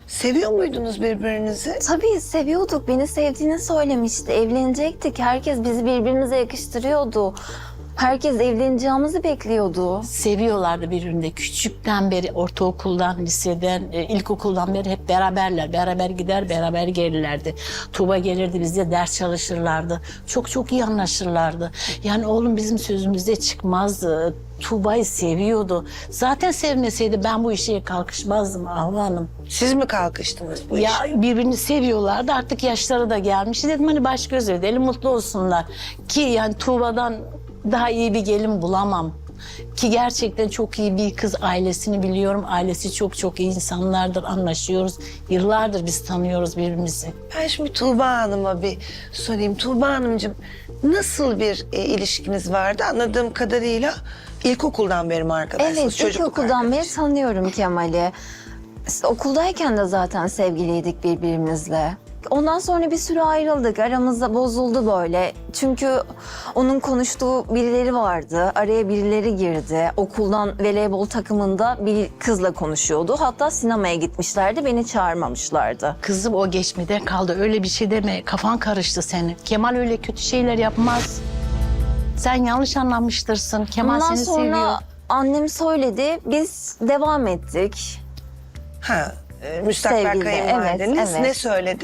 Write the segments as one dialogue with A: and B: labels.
A: Seviyor muydunuz birbirinizi?
B: Tabii seviyorduk. Beni sevdiğini söylemişti. Evlenecektik. Herkes bizi birbirimize yakıştırıyordu. Herkes evleneceğimizi bekliyordu.
C: Seviyorlardı birbirini. Küçükten beri, ortaokuldan, liseden, ilkokuldan beri hep beraberler. Beraber gider, beraber gelirlerdi. Tuğba gelirdi, bizde ders çalışırlardı. Çok çok iyi anlaşırlardı. Yani oğlum bizim sözümüzde çıkmazdı. Tuğba'yı seviyordu. Zaten sevmeseydi ben bu işe kalkışmazdım Ahva Hanım.
A: Siz mi kalkıştınız bu
C: Ya
A: işe?
C: birbirini seviyorlardı. Artık yaşları da gelmiş. Dedim hani baş göz edelim, mutlu olsunlar. Ki yani Tuğba'dan daha iyi bir gelin bulamam. Ki gerçekten çok iyi bir kız, ailesini biliyorum. Ailesi çok çok iyi insanlardır, anlaşıyoruz. Yıllardır biz tanıyoruz birbirimizi.
A: Ben şimdi Tuğba Hanım'a bir sorayım. Tuğba Hanımcığım, nasıl bir ilişkiniz vardı? Anladığım kadarıyla ilkokuldan beri mi arkadaşsınız?
B: Evet,
A: çocukluk
B: ilkokuldan beri
A: arkadaşı.
B: tanıyorum Kemal'i. İşte okuldayken de zaten sevgiliydik birbirimizle. Ondan sonra bir süre ayrıldık. Aramızda bozuldu böyle. Çünkü onun konuştuğu birileri vardı. Araya birileri girdi. Okuldan voleybol takımında bir kızla konuşuyordu. Hatta sinemaya gitmişlerdi. Beni çağırmamışlardı.
C: Kızım o geçmeden kaldı. Öyle bir şey deme. Kafan karıştı senin. Kemal öyle kötü şeyler yapmaz. Sen yanlış anlamıştırsın. Kemal
B: Ondan
C: seni
B: sonra
C: seviyor.
B: annem söyledi. Biz devam ettik.
A: Ha, müstakbel
B: Sevgili,
A: kayınvalideniz
B: evet, evet.
A: ne söyledi?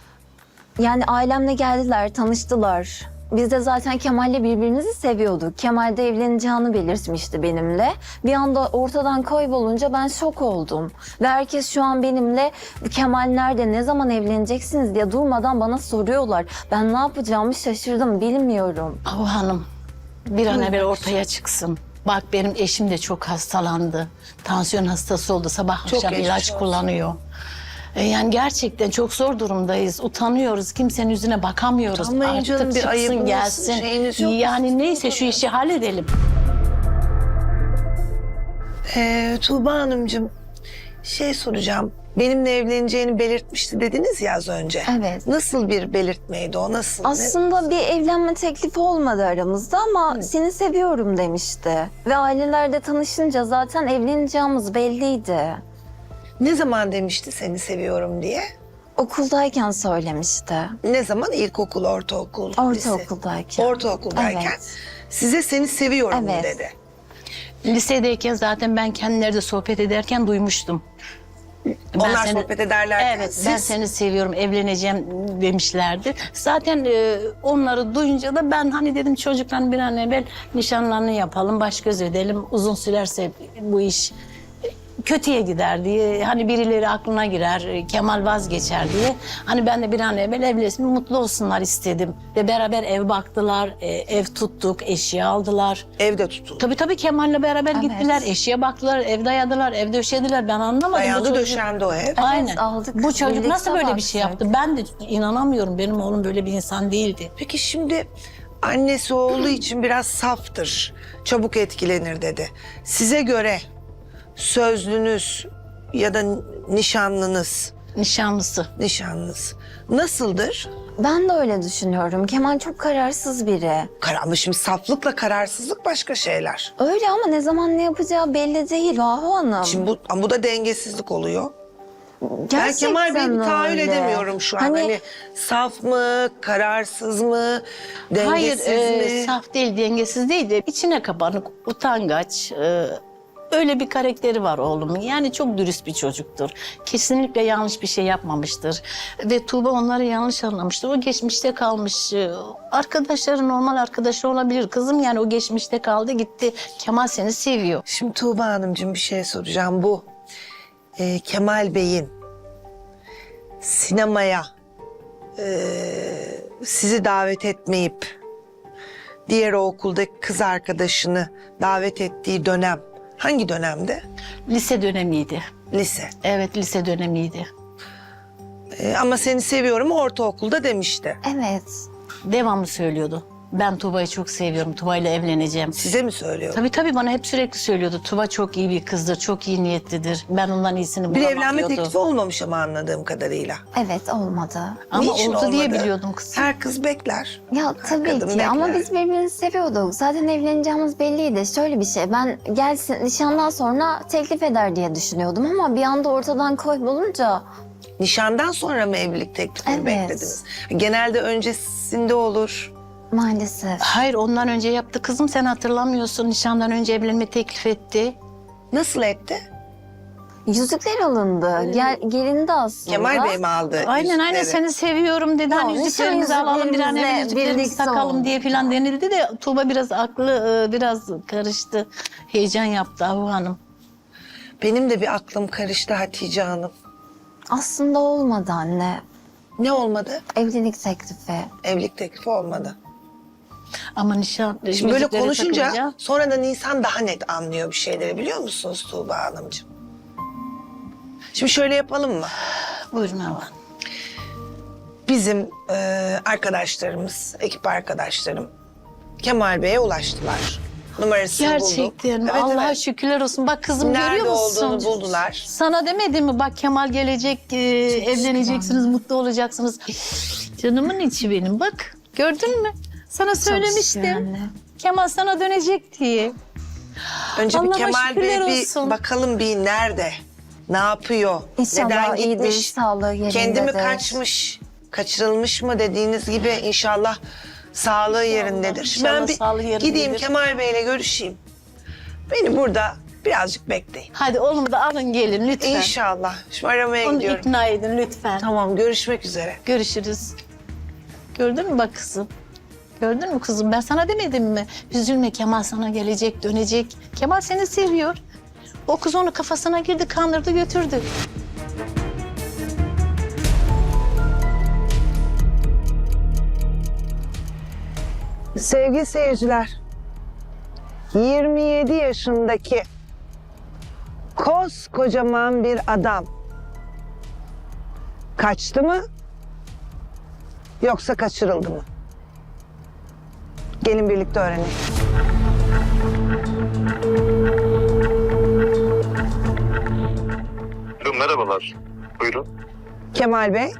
B: Yani ailemle geldiler, tanıştılar. Biz de zaten Kemal'le birbirimizi seviyorduk. Kemal de evleneceğini belirtmişti benimle. Bir anda ortadan kaybolunca ben şok oldum. Ve herkes şu an benimle Kemal nerede, ne zaman evleneceksiniz diye durmadan bana soruyorlar. Ben ne yapacağımı şaşırdım, bilmiyorum.
C: Ahva Hanım, bir an evvel ortaya çıksın. Bak benim eşim de çok hastalandı. Tansiyon hastası oldu. Sabah
A: Çok
C: akşam
A: geçmiş
C: ilaç
A: olsun.
C: kullanıyor. Yani gerçekten çok zor durumdayız. Utanıyoruz. Kimsenin yüzüne bakamıyoruz.
A: Utanmayın
C: Artık
A: canım, bir
C: çıksın
A: ayıbınız,
C: gelsin.
A: şeyiniz yok mu?
C: Yani neyse şu işi halledelim.
A: Tuğba Hanımcığım, şey soracağım. Benimle evleneceğini belirtmişti dediniz ya az önce.
B: Evet.
A: Nasıl bir belirtmeydi o? Nasıl?
B: Aslında bir evlenme teklifi olmadı aramızda ama seni seviyorum demişti. Ve ailelerde tanışınca zaten evleneceğimiz belliydi.
A: Ne zaman demişti seni seviyorum diye?
B: Okuldayken söylemişti.
A: Ne zaman? İlkokul, ortaokul, lise?
B: Ortaokuldayken.
A: Ortaokuldayken
B: Evet.
A: size seni seviyorum
B: Evet.
A: dedi.
C: Lisedeyken zaten ben kendileri sohbet ederken duymuştum.
A: Onlar sohbet ederlerken
C: Evet,
A: siz...
C: ben seni seviyorum, evleneceğim demişlerdi. Zaten onları duyunca da ben hani dedim çocuklar bir an evvel nişanlarını yapalım, baş göz edelim. Uzun sürerse bu iş kötüye gider diye. Hani birileri aklına girer, Kemal vazgeçer diye. Hani ben de bir an evvel evlensin, mutlu olsunlar istedim. Ve beraber ev baktılar, ev tuttuk, eşya aldılar.
A: Evde tutuldu.
C: Tabii Kemal'le beraber
B: Evet.
C: gittiler, eşya baktılar, ev dayadılar, ev döşediler. Ben anlamadım.
A: Dayandı
C: Bu çocuk-
A: döşendi o ev.
C: Aynen.
B: aldık.
C: Bu çocuk
B: Birlikte
C: nasıl böyle bir şey
B: baktık.
C: yaptı? Ben de inanamıyorum. Benim oğlum böyle bir insan değildi.
A: Peki şimdi annesi olduğu için biraz saftır, çabuk etkilenir dedi. Size göre sözlünüz ya da nişanlınız
C: Nişanlısı.
A: nasıldır?
B: Ben de öyle düşünüyorum. Kemal çok kararsız biri.
A: Ama şimdi saflıkla kararsızlık başka şeyler.
B: Öyle ama ne zaman ne yapacağı belli değil Ahu Hanım.
A: Şimdi bu da dengesizlik oluyor. Ben
B: Gerçekten
A: Kemal Bey'i bir tahayyül
B: öyle.
A: edemiyorum şu an. Hani saf mı, kararsız mı,
C: Hayır,
A: dengesiz mi?
C: saf değil, dengesiz değil de içine kapanık, utangaç. Öyle bir karakteri var oğlumun. Yani çok dürüst bir çocuktur. Kesinlikle yanlış bir şey yapmamıştır. Ve Tuğba onları yanlış anlamıştır. O geçmişte kalmış. Arkadaşları normal arkadaşı olabilir. Kızım yani o geçmişte kaldı gitti. Kemal seni seviyor.
A: Şimdi Tuğba Hanımcığım bir şey soracağım. Bu Kemal Bey'in sinemaya sizi davet etmeyip diğer o okuldaki kız arkadaşını davet ettiği dönem hangi dönemde?
C: Lise dönemiydi.
A: Lise.
C: Evet, lise dönemiydi.
A: Ama seni seviyorum ortaokulda demişti.
B: Evet.
C: Devamlı söylüyordu. Ben Tuğba'yı çok seviyorum. Tuğba ile evleneceğim.
A: Size mi söylüyor?
C: Tabii bana hep sürekli söylüyordu. Tuğba çok iyi bir kızdır, çok iyi niyetlidir. Ben ondan iyisini
A: Bir
C: bulamam
A: evlenme
C: diyordu.
A: teklifi olmamış ama anladığım kadarıyla.
B: Evet olmadı.
C: Ama
A: Niçin
C: oldu diye
A: olmadı?
C: biliyordum kız.
A: Her kız bekler.
B: Ya
A: Her
B: tabii
A: kadın
B: ki ama
A: bekler.
B: biz birbirimizi seviyorduk. Zaten evleneceğimiz belliydi. Şöyle bir şey, ben gelsin nişandan sonra teklif eder diye düşünüyordum ama bir anda ortadan kaybolunca
A: Nişandan sonra mı evlilik teklifini
B: Evet.
A: beklediniz? Genelde öncesinde olur.
B: Maalesef.
C: Hayır, ondan önce yaptı kızım, sen hatırlamıyorsun. Nişandan önce evlenme teklif etti.
A: Nasıl etti?
B: Yüzükler alındı. Gelindi aslında.
A: Kemal Bey mi aldı
C: Aynen
A: yüzükleri?
C: seni seviyorum dedi.
B: Ya,
C: Hani yüzüklerimizi
B: nişan
C: alalım, bir an evvel
B: yüzüklerimizle
C: yüzüklerimizi
B: birlikte
C: takalım
B: oldu.
C: diye falan denildi de Tuğba biraz aklı biraz karıştı. Heyecan yaptı Ahu Hanım.
A: Benim de bir aklım karıştı Hatice Hanım.
B: Aslında olmadı anne.
A: Ne olmadı?
B: Evlilik teklifi.
A: Evlilik teklifi olmadı.
C: Ama nişan
A: Şimdi böyle
C: yüzükleri
A: konuşunca
C: takılınca-
A: sonradan insan daha net anlıyor bir şeyleri, biliyor musunuz Tuğba Hanımcığım? Şimdi şöyle yapalım mı?
C: Buyurun Ahu Hanım.
A: Bizim arkadaşlarımız, ekip arkadaşlarım Kemal Bey'e ulaştılar. Numarasını bulduk.
C: Gerçekten mi?
A: Evet,
C: Allah'a
A: evet.
C: şükürler olsun. Bak kızım,
A: Nerede
C: görüyor musun?
A: olduğunu buldular.
C: Sana demedim mi? Bak Kemal gelecek, evleneceksiniz, mutlu olacaksınız. Canımın içi benim, bak. Gördün mü? Sana
B: şükür
C: söylemiştim.
B: anne.
C: Kemal sana dönecek diye.
A: Önce bir
C: Allah'a
A: Kemal Bey
C: şükürler
A: bir
C: olsun.
A: bakalım bir nerede? Ne yapıyor?
B: İnşallah
A: Neden
B: iyidir,
A: gitmiş?
B: sağlığı yerindedir.
A: Kendi mi kaçmış? Kaçırılmış mı dediğiniz gibi inşallah sağlığı yerindedir. Şimdi ben
C: inşallah sağlığı
A: bir
C: yerindedir.
A: gideyim Kemal Bey'le görüşeyim. Beni burada birazcık bekleyin.
C: Hadi oğlum da alın gelin lütfen.
A: İnşallah. Şimdi aramaya
C: Onu
A: gidiyorum.
C: ikna edin lütfen.
A: Tamam, görüşmek üzere.
C: Görüşürüz. Gördün mü bak kızım? Gördün mü kızım? Ben sana demedim mi? Üzülme, Kemal sana gelecek, dönecek. Kemal seni seviyor. O kız onu kafasına girdi, kandırdı, götürdü.
A: Sevgili seyirciler, 27 yaşındaki koskocaman bir adam kaçtı mı yoksa kaçırıldı mı? Gelin birlikte öğrenelim.
D: Merhabalar. Buyurun.
A: Kemal Bey.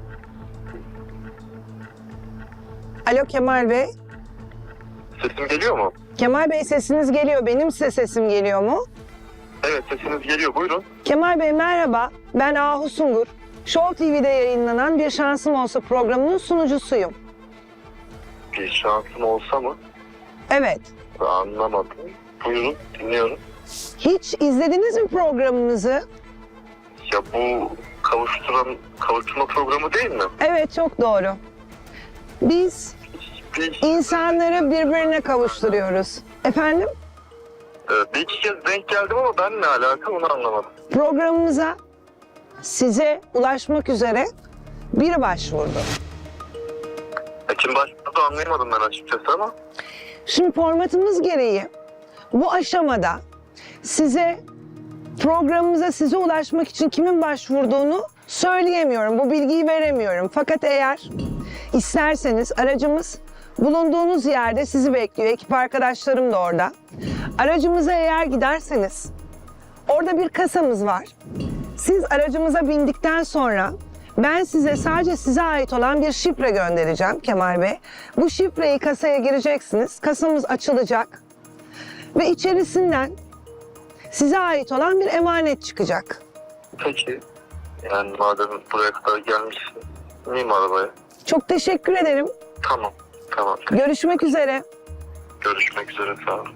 A: Alo Kemal Bey.
D: Sesim geliyor mu?
A: Kemal Bey, sesiniz geliyor. Benim size sesim geliyor mu?
D: Evet, sesiniz geliyor. Buyurun.
A: Kemal Bey merhaba. Ben Ahu Sungur. Show TV'de yayınlanan Bir Şansım Olsa programının sunucusuyum.
D: Bir şansım olsa mı?
A: Evet.
D: Anlamadım. Buyurun, dinliyorum.
A: Hiç izlediniz mi programımızı?
D: Ya bu kavuşturma programı değil mi?
A: Evet, çok doğru. Biz
D: Bir,
A: insanları birbirine kavuşturuyoruz. Efendim?
D: bir iki kez denk geldim ama ben ne alaka onu anlamadım.
A: Programımıza size ulaşmak üzere biri başvurdu.
D: Kim başladı anlayamadım ben açıkçası ama.
A: Şimdi formatımız gereği bu aşamada programımıza size ulaşmak için kimin başvurduğunu söyleyemiyorum. Bu bilgiyi veremiyorum. Fakat eğer isterseniz aracımız bulunduğunuz yerde sizi bekliyor. Ekip arkadaşlarım da orada. Aracımıza eğer giderseniz orada bir kasamız var. Siz aracımıza bindikten sonra ben size sadece size ait olan bir şifre göndereceğim Kemal Bey. Bu şifreyi kasaya gireceksiniz. Kasamız açılacak ve içerisinden size ait olan bir emanet çıkacak.
D: Peki. Yani madem buraya kadar gelmişsin. İneyim arabaya.
A: Çok teşekkür ederim.
D: Tamam. Tamam.
A: Görüşmek üzere.
D: Görüşmek üzere. Sağ olun.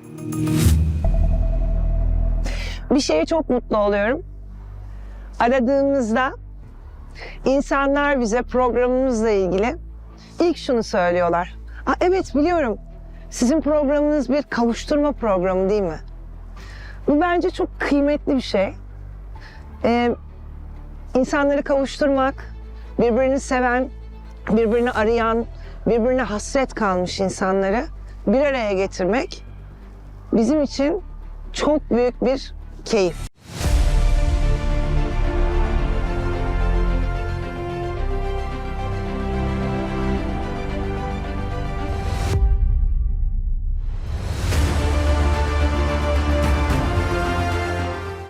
A: Bir şeye çok mutlu oluyorum. Aradığımızda insanlar bize programımızla ilgili ilk şunu söylüyorlar. Evet biliyorum. Sizin programınız bir kavuşturma programı değil mi? Bu bence çok kıymetli bir şey. İnsanları kavuşturmak, birbirini seven, birbirini arayan, birbirine hasret kalmış insanları bir araya getirmek bizim için çok büyük bir keyif.